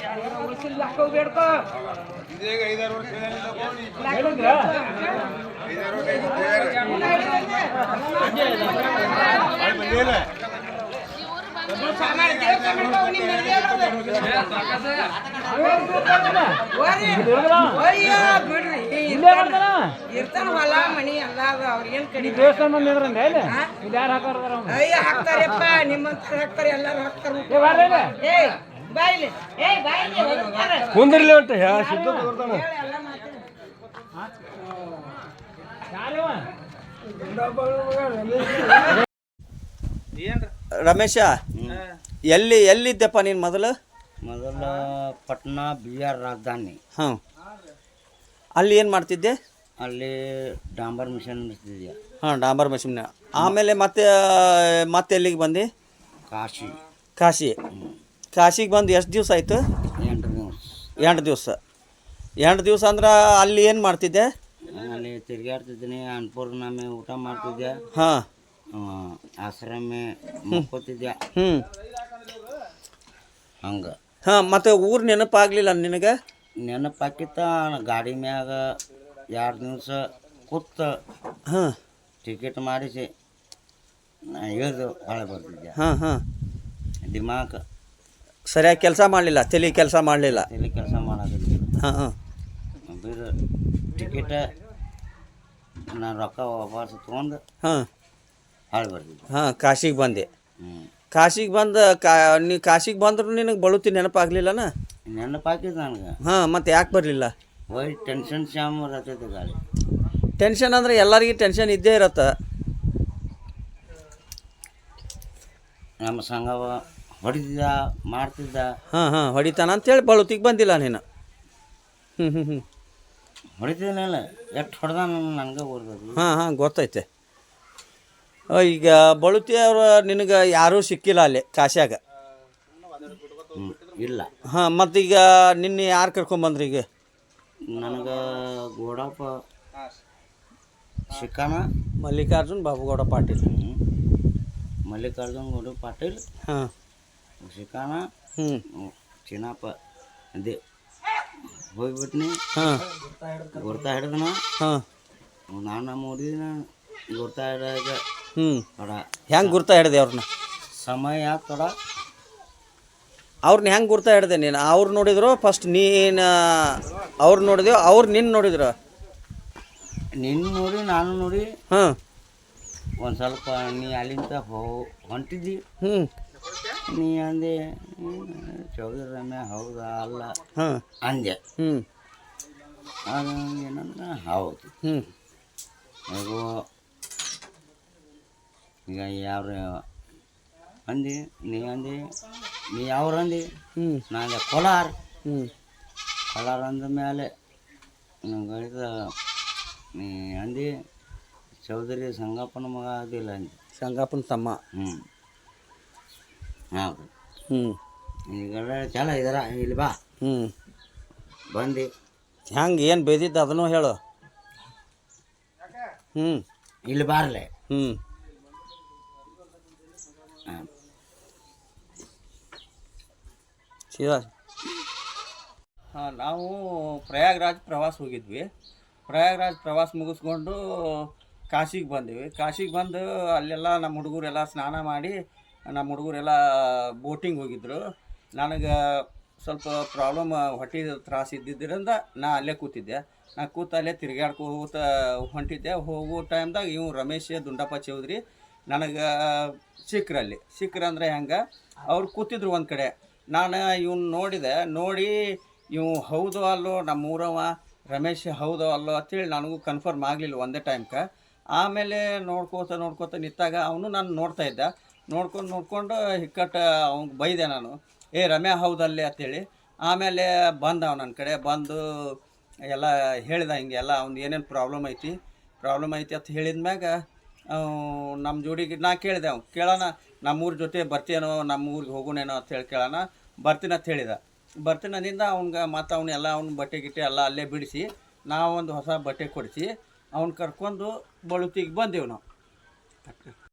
ಇರ್ತಾನ ಹೊಲ ಮನಿ ಎಲ್ಲ ಅವ್ರಿಗೇನ್ ಕಡಿ ದೇವಸ್ಥಾನ ಮಂದಿ ಇದ್ರಂದ ಯಾರು ಹಾಕೋರ ಅಯ್ಯ ಹಾಕ್ತಾರಪ್ಪ ನಿಮ್ಮಂತ ಹಾಕ್ತಾರೆ ಎಲ್ಲಾರು ಹಾಕ್ತಾರ ಏ ಬಾಯ್ಲಿ ಏ ಬಾಯ್ಲಿ ಕುಂದ್ರಲಿ ಅಂತ ಸಿದ್ಧ ರಮೇಶ ಎಲ್ಲಿದ್ದಪ್ಪ ನೀನು ಮೊದಲು ಪಟ್ನಾ ಬಿಹಾರ್ ರಾಜಧಾನಿ. ಹಾಂ, ಅಲ್ಲಿ ಏನು ಮಾಡ್ತಿದ್ದೆ? ಅಲ್ಲಿ ಡಾಂಬರ್ ಮಿಷನ್ ನಡೆಸ್ತಿದ್ದೆ. ಹಾಂ, ಡಾಂಬರ್ ಮಿಷನ್. ಆಮೇಲೆ ಮತ್ತೆ ಎಲ್ಲಿಗೆ ಬಂದು? ಕಾಶಿಗೆ ಬಂದು ಎಷ್ಟು ದಿವಸ ಆಯಿತು? 8 ದಿವಸ. 8 ದಿವಸ ಅಂದ್ರೆ ಅಲ್ಲಿ ಏನು ಮಾಡ್ತಿದ್ದೆ? ಅಲ್ಲಿ ತಿರುಗಾಡ್ತಿದ್ದೀನಿ, ಅನ್ನಪೂರ್ಣಮೆ ಊಟ ಮಾಡ್ತಿದ್ದೆ. ಹಾಂ, ಆಶ್ರಮ ಮಕ್ಕೋತಿದ್ದೆ. ಹಂಗೆ. ಹಾಂ, ಮತ್ತು ಊರು ನೆನಪಾಗಲಿಲ್ಲ ನಿನಗೆ? ನೆನಪಾಕಿತ್ತ ಗಾಡಿ ಮ್ಯಾಗ 2 ದಿವಸ ಕೂತ ಹಾಂ ಟಿಕೆಟ್ ಮಾಡಿಸಿ ಇಳಿದು ಹೊಳೆ ಬರ್ತಿದ್ದೆ. ಹಾಂ ಹಾಂ, ದಿಮಾಕ್ ಸರಿಯಾಗಿ ಕೆಲಸ ಮಾಡಲಿಲ್ಲ, ತಲೆ ಕೆಲಸ ಮಾಡಲಿಲ್ಲ. ತಲೆ ಕೆಲಸ ಮಾಡೋದಿಲ್ಲ. ಹಾಂ ಹಾಂ, ಬೇರೆ ಟಿಕೆಟ್ ನಾನು ರೊಕ್ಕ ವಾಪಸ್ ತೊಗೊಂಡು ಹಾಂ ಹೊಳೆ ಬರ್ತಿದ್ದೆ. ಹಾಂ, ಕಾಶಿಗೆ ಬಂದೆ. ಕಾಶಿಗೆ ನೀ ಕಾಶಿಗೆ ಬಂದ್ರು ನಿನಗೆ ಬಳುತಿ ನೆನಪಾಗಲಿಲ್ಲನ? ನೆನಪಾಕಿದ್ದು ನನಗೆ. ಹಾಂ, ಮತ್ತು ಯಾಕೆ ಬರಲಿಲ್ಲ? ಒಯ್ ಟೆನ್ಷನ್ ಶಾಮ್ ಇರತ್ತೈತೆ ಗಾಡಿ. ಟೆನ್ಷನ್ ಅಂದರೆ ಎಲ್ಲರಿಗೂ ಟೆನ್ಷನ್ ಇದ್ದೇ ಇರತ್ತೆ. ನಮ್ಮ ಸಂಘವ ಹೊಡಿತಿದ್ದ ಮಾಡ್ತಿದ್ದ. ಹಾಂ ಹಾಂ, ಹೊಡಿತಾನ ಅಂತೇಳಿ ಬಳುತಿಗೆ ಬಂದಿಲ್ಲ ನೀನು? ಹೊಡಿತಿದ್ದೀನಲ್ಲ, ಎಷ್ಟು ಹೊಡೆದ ನನಗೆ ಓದ್ಬೋದು. ಹಾಂ ಹಾಂ, ಗೊತ್ತೈತೆ. ಈಗ ಬಳುತಿ ಅವರು ನಿನಗೆ ಯಾರೂ ಸಿಕ್ಕಿಲ್ಲ ಅಲ್ಲಿ ಕಾಶ್ಯಾಗ? ಇಲ್ಲ. ಹಾಂ, ಮತ್ತೀಗ ನಿನ್ನೆ ಯಾರು ಕರ್ಕೊಂಬಂದ್ರಿ? ಈಗ ನನಗೆ ಗೋಡಪ್ಪ ಶಿಕಾನ, ಮಲ್ಲಿಕಾರ್ಜುನ್ ಬಾಬುಗೌಡ ಪಾಟೀಲ್. ಮಲ್ಲಿಕಾರ್ಜುನ್ ಗೌಡ ಪಾಟೀಲ್. ಹಾಂ, ಶಿಕಾನ. ಚಿನ್ನಪ್ಪ ಅದೇ ಹೋಗ್ಬಿಟ್ನಿ. ಹಾಂ, ಗುರ್ತಾ ಹಿಡ್ದನ. ಹಾಂ, ನಾನು ನೋಡಿದ ಗುರ್ತಾ ಹಿಡಿದಾಗ ಥೋಡ ಹೆಂಗೆ ಗುರ್ತಾ ಹಿಡ್ದೆ ಅವ್ರನ್ನ? ಸಮಯ ಥೋಡ ಅವ್ರನ್ನ ಹೆಂಗೆ ಗುರ್ತಾ ಹಿಡ್ದೆ ನೀನು? ಅವ್ರು ನೋಡಿದ್ರು ಫಸ್ಟ್ ನೀನು ಅವ್ರು ನೋಡಿದೆವು, ಅವ್ರು ನಿನ್ನ ನೋಡಿದ್ರು? ನಿನ್ನ ನೋಡಿ ನಾನು ನೋಡಿ. ಹಾಂ, ಒಂದು ಸ್ವಲ್ಪ ನೀ ಅಲ್ಲಿಂದ ಹೊಂಟಿದ್ದಿ. ನೀ ಅಂದೆ ಚೌಧರಿ ರಮ್ಯ ಹೌದಾ ಅಲ್ಲ ಅಂದೆ. ಅದು ಏನಂದ್ರೆ ಹೌದು. ಹೇಗೋ ಈಗ ಯಾರು ಅಂದಿ, ನೀ ಅಂದಿ, ನೀ ಯಾವ್ರು ಅಂದಿ? ನಾನು ಕೋಲಾರ. ಕೋಲಾರ ಅಂದ ಮೇಲೆ ಗಳಿದ ನೀ ಅಂದಿ ಚೌಧರಿ ಸಂಗಪ್ಪನ ಮಗ ಅದಿಲ್ಲ ಅಂದಿ. ಸಂಗಪ್ಪನ ತಮ್ಮ. ಹೌದು. ಈಗ ಚಲ ಇದಾರ ಇಲ್ಲಿ ಬಾ. ಬಂದು ಹೆಂಗೆ ಏನು ಬೇದಿದ್ದು ಅದನ್ನು ಹೇಳು. ಇಲ್ಲಿ ಬಾರ್ಲೆ. ಸೀದಾ. ಹಾಂ, ನಾವು ಪ್ರಯಾಗ್ರಾಜ್ ಪ್ರವಾಸ ಹೋಗಿದ್ವಿ. ಪ್ರಯಾಗ್ರಾಜ್ ಪ್ರವಾಸ ಮುಗಿಸ್ಕೊಂಡು ಕಾಶಿಗೆ ಬಂದೀವಿ. ಕಾಶಿಗೆ ಬಂದು ಅಲ್ಲೆಲ್ಲ ನಮ್ಮ ಹುಡುಗರೆಲ್ಲ ಸ್ನಾನ ಮಾಡಿ, ನಮ್ಮ ಹುಡುಗರೆಲ್ಲ ಬೋಟಿಂಗ್ ಹೋಗಿದ್ರು. ನನಗೆ ಸ್ವಲ್ಪ ಪ್ರಾಬ್ಲಮ್, ಹೊಟ್ಟೆ ತ್ರಾಸ ಇದ್ದಿದ್ದರಿಂದ ನಾ ಅಲ್ಲೇ ಕೂತಿದ್ದೆ. ನಾ ಅಲ್ಲೇ ತಿರುಗಾಡ್ಕೋತ ಹೊಂಟಿದ್ದೆ. ಹೋಗೋ ಟೈಮ್ದಾಗ ಇವು ರಮೇಶ್ ದುಂಡಪ್ಪ ಚೌಧರಿ ನನಗೆ ಸಿಕ್ಕ್ರಂದ್ರೆ ಹೆಂಗೆ, ಅವ್ರು ಕೂತಿದ್ರು ಒಂದು ಕಡೆ. ನಾನು ಇವ್ನು ನೋಡಿ ಇವು ಹೌದೋ ಅಲ್ಲೋ ನಮ್ಮೂರವ ರಮೇಶ್ ಹೌದೋ ಅಲ್ಲೋ ಅಂತೇಳಿ ನನಗೂ ಕನ್ಫರ್ಮ್ ಆಗಲಿಲ್ಲ ಒಂದೇ ಟೈಮ್ಗೆ. ಆಮೇಲೆ ನೋಡ್ಕೋತ ನಿಂತಾಗ ಅವನು ನಾನು ನೋಡ್ತಾಯಿದ್ದ. ನೋಡ್ಕೊಂಡು ಹಿಕ್ಕಟ್ಟು ಅವ್ನಿಗೆ ಬೈದೆ ನಾನು, ಏ ರಮ್ಯಾ ಹೌದಲ್ಲೇ ಅಂತೇಳಿ. ಆಮೇಲೆ ಬಂದ ಅವ ನನ್ನ ಕಡೆ ಬಂದು ಎಲ್ಲ ಹೇಳಿದ, ಹಿಂಗೆಲ್ಲ ಅವ್ನು ಏನೇನು ಪ್ರಾಬ್ಲಮ್ ಐತಿ ಅಂತ ಹೇಳಿದ ಮ್ಯಾಗ ನಮ್ಮ ಜೋಡಿಗೆ ನಾ ಕೇಳಿದೆ. ಅವ್ನು ಕೇಳೋಣ ನಮ್ಮೂರ ಜೊತೆ ಬರ್ತೀನೋ, ನಮ್ಮ ಊರಿಗೆ ಹೋಗೋಣೇನೋ ಅಂತೇಳಿ ಕೇಳೋಣ. ಬರ್ತೀನಿ ಅಂತ ಹೇಳಿದ. ಬರ್ತೀನಿ ಅಂದಿಂದ ಅವ್ನಿಗೆ ಮತ್ತು ಅವನ್ನೆಲ್ಲ ಅವ್ನ ಬಟ್ಟೆ ಗಿಟ್ಟೆ ಎಲ್ಲ ಅಲ್ಲೇ ಬಿಡಿಸಿ ನಾವೊಂದು ಹೊಸ ಬಟ್ಟೆ ಕೊಡಿಸಿ ಅವ್ನು ಕರ್ಕೊಂಡು ಬಳುತಿಗೆ ಬಂದೆವು ನಾವು.